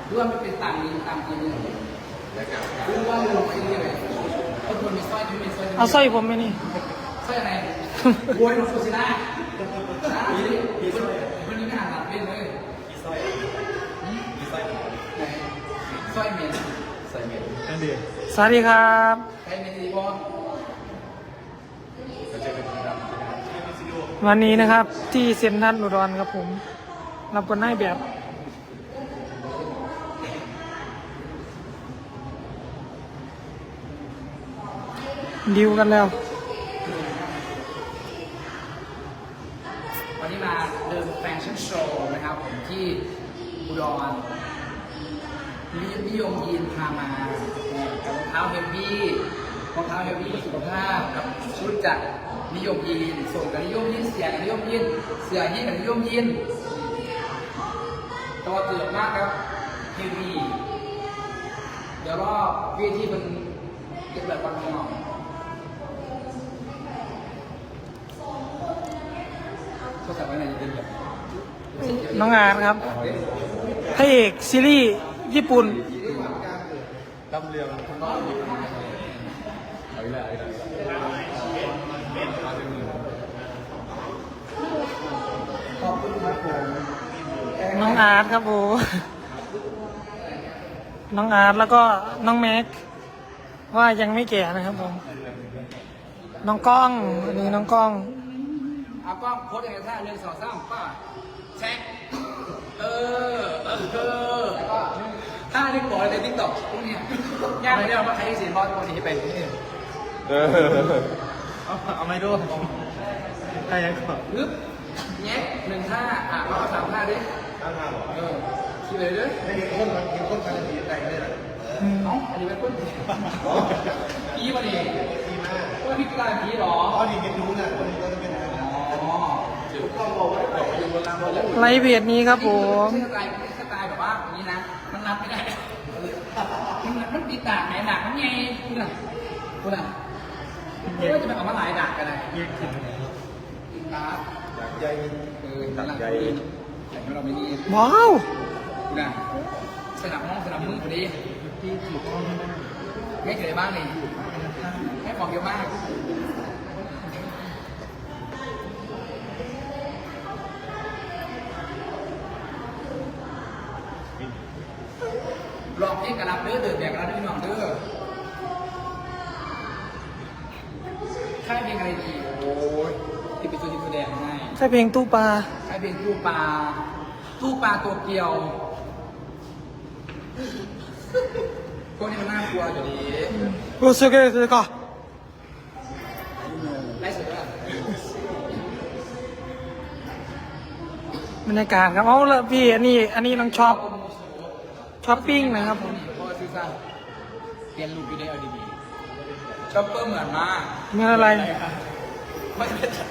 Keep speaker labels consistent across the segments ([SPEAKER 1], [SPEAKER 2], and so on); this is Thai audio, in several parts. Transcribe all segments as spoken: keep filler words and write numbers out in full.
[SPEAKER 1] รู้ว่ามันเป็นตามนี้ตามจริงเลยรู้ว่ามันลงไปเรื่อยๆคนคนมีสร้อยที่มีสร้อย
[SPEAKER 2] เอาสร้อยผมไหมนี่
[SPEAKER 1] สร้อยอะไรบวยหลวงปู่ศิลานี่นี่คนนี้ไม่อ่านหลับเล่นเลยสร้อยสร้อยเมนสร้อยเมนนั่นดี
[SPEAKER 2] สวัสดีครับ
[SPEAKER 1] ใครเมนดีบอล
[SPEAKER 2] วันนี้นะครับที่เซ็นทรัลอุดรครับผมรับคนให้แบบดิวกันแล้ว
[SPEAKER 1] วันนี้มาเดินแฟชั่นโชว์นะครับผมที่อุดรนิยมยีนพามากับรองเท้าเฮฟวี่รองเท้าเฮฟวี่สุขภาพกับชุดจากนิยมยีนส่งกับนิยมยีนเสียกับนิยมยีนเสียยีนกับนิยมยีนตัวเกือบมากครับเฮฟวี่เดี๋ยวรอบวิธีมันเก็บแบบบางหน่อยก็แต่ว่าในจะเป็นแบบ
[SPEAKER 2] น้องอาร์ตครับพระเอกซีรีส์ญี่ปุ่น
[SPEAKER 1] ดำเรืองข้างนอกเอาอีกแล้วเอาอีกแล้วขอบคุณครับผม
[SPEAKER 2] น้องอาร์ตครับผมน้องอาร์ตแล้วก็น้องแม็กว่ายังไม่แก่นะครับผมน้องก้องอันนี้น้องก้อง
[SPEAKER 1] เอากล้องโพสยังไงท่าหนึ่งสองสามป้าแช็คเออเออแล้วก็ท่าที่บอกในติ๊กต็อกพวกนี้ยากไม่ได้ว่าใครที่เสียงบอลตัวนี้เป็นนี่เออเอาเอาไม่ดูใครยังก่อนปึ๊บแงะหนึ่งท่าอ่ะมาสามท่าดิท่าท่าหรอเออคิดเลยด้วยไม่เห็นคนมันเห็นคนการตีใจเลยนะเอ้าอันนี้เป็นคนผีมาดิผีมาว่าพี่กลายผีหรออ๋อนี่เห็นรู้นะคนนี้ก็จะเป็น
[SPEAKER 2] ไลฟ์เพจนี้ครับผม
[SPEAKER 1] สไตล์สไตล์แบบว่าอย่างนี้นะมันรับไม่ได้มันมันตีตากไหนดากมันไงคุณอ่ะคุณอ่ะไม่ว่าจะเป็นออกมาหลายดากกันเลยตาดากใหญ่เออตาดากใหญ่แต่เราไม่ดี
[SPEAKER 2] ว้าว
[SPEAKER 1] คุณอ่ะสนับห้องสนับมือพอดีที่ถูกต้องให้เกิดบ้างเลยให้ของเยอะมากลองเพลงกระลับเด้อเดินแบบกระลับพี่น้องเด้อค่ายเพลงอะไรดีโอ้ยที่เป็นตัวที่แสดงให้
[SPEAKER 2] ใช่เพลงตู้ปลา
[SPEAKER 1] ค่ายเพลงตู้ปลาตู้ปลาตัวเกียวพวกนี้มันน่ากลัวอยู่ดี
[SPEAKER 2] โอเคโอเคก่อน
[SPEAKER 1] ไล่สุดแล้ว
[SPEAKER 2] บรรยากาศครับเอาละพี่อันนี้อันนี้น้องชอบช้อปปิ้งนะครับผม
[SPEAKER 1] เพราะว่าซื้อซ่าเปลี่ยนรูปไปได้เอาดีๆชอปเปอร์เหมือนมาก
[SPEAKER 2] เมื่ออะไร
[SPEAKER 1] ไม่ได้จับ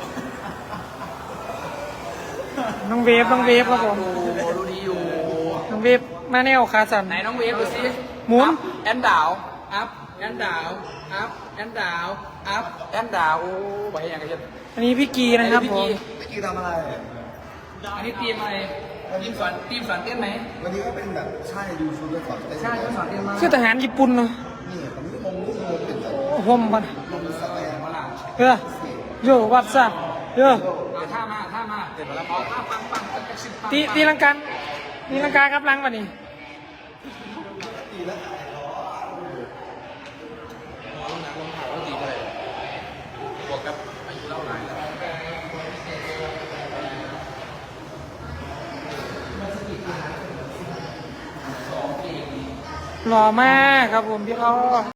[SPEAKER 2] น้องเวฟน้องเวฟครับผม
[SPEAKER 1] ดูดีอยู่
[SPEAKER 2] น้องเวฟมาแนวขาสั่น
[SPEAKER 1] ไหนน้องเวฟดูสิ
[SPEAKER 2] หมุน
[SPEAKER 1] แอนดาวอัพแอนดาวอัพแอนดาวอัพแอนดาวโอ้ไปอย่างกัน
[SPEAKER 2] อันนี้พี่กีนะครับผม
[SPEAKER 1] พี่กีทำอะไรอันนี้ทีมอะไรทีมสอนทีมสอนเต้นไหม
[SPEAKER 3] วันนี้ก็เป็นแบบใช่ดูชุดแล้วสอนเต้น
[SPEAKER 1] ใช่เขาสอนเต้นมา
[SPEAKER 2] คือทหารญี่ปุ่นเนาะ
[SPEAKER 3] นี่ผมนี่ผมนี่ผมเป็นแบบ
[SPEAKER 2] โอ้โหมัน
[SPEAKER 3] ลงสแตน
[SPEAKER 1] เวลา
[SPEAKER 2] เออโยวัดซับโย
[SPEAKER 1] เอาท่ามาท่ามาเดี๋ยวเราเอาท่าปังปังปังปังปัง
[SPEAKER 2] ตีตีลังการตีลังกาครับลังวันนี้
[SPEAKER 3] ตีแล้ว
[SPEAKER 1] ลงเท้าแล้วตีไปเลยบวกกับอายุเล่าหลายแล้ว
[SPEAKER 2] หล่อมากครับผมพี่อ้อ